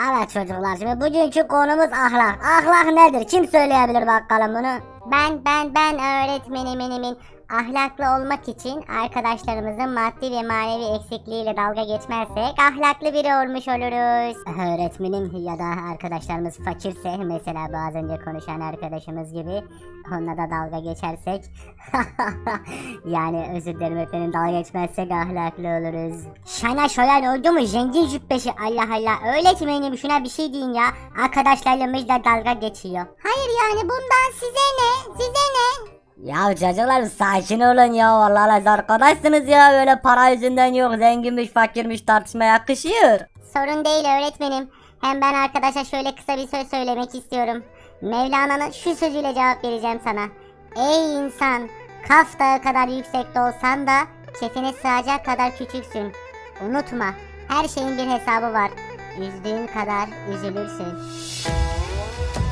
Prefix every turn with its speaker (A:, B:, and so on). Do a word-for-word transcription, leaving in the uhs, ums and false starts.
A: Evet çocuklar, şimdi bugünkü konumuz ahlak. Ahlak nedir? Kim söyleyebilir bakalım bunu? Ben ben ben öğretmenimin ahlaklı olmak için arkadaşlarımızın maddi ve manevi eksikliğiyle dalga geçmezsek ahlaklı biri olmuş oluruz. Öğretmenim ya da arkadaşlarımız fakirse, mesela bu az önce konuşan arkadaşımız gibi, onunla da dalga geçersek yani özür dilerim öğretmenim, dalga geçmezsek ahlaklı oluruz. Şana şöyle oldu mu zengin cübbesi, Allah Allah, öğretmenim şuna bir şey deyin ya, arkadaşlarımız da dalga geçiyor. Hayır yani bundan size ne, size ne?
B: Ya çocuklar sakin olun ya, vallahi arkadaşsınız ya, böyle para yüzünden yok, zenginmiş fakirmiş tartışma yakışıyor.
A: Sorun değil öğretmenim. Hem ben arkadaşa şöyle kısa bir söz söylemek istiyorum. Mevlana'nın şu sözüyle cevap vereceğim sana. Ey insan, Kaf Dağı kadar yüksekte olsan da kefene sığacak kadar küçüksün. Unutma, her şeyin bir hesabı var. Üzdüğün kadar üzülürsün.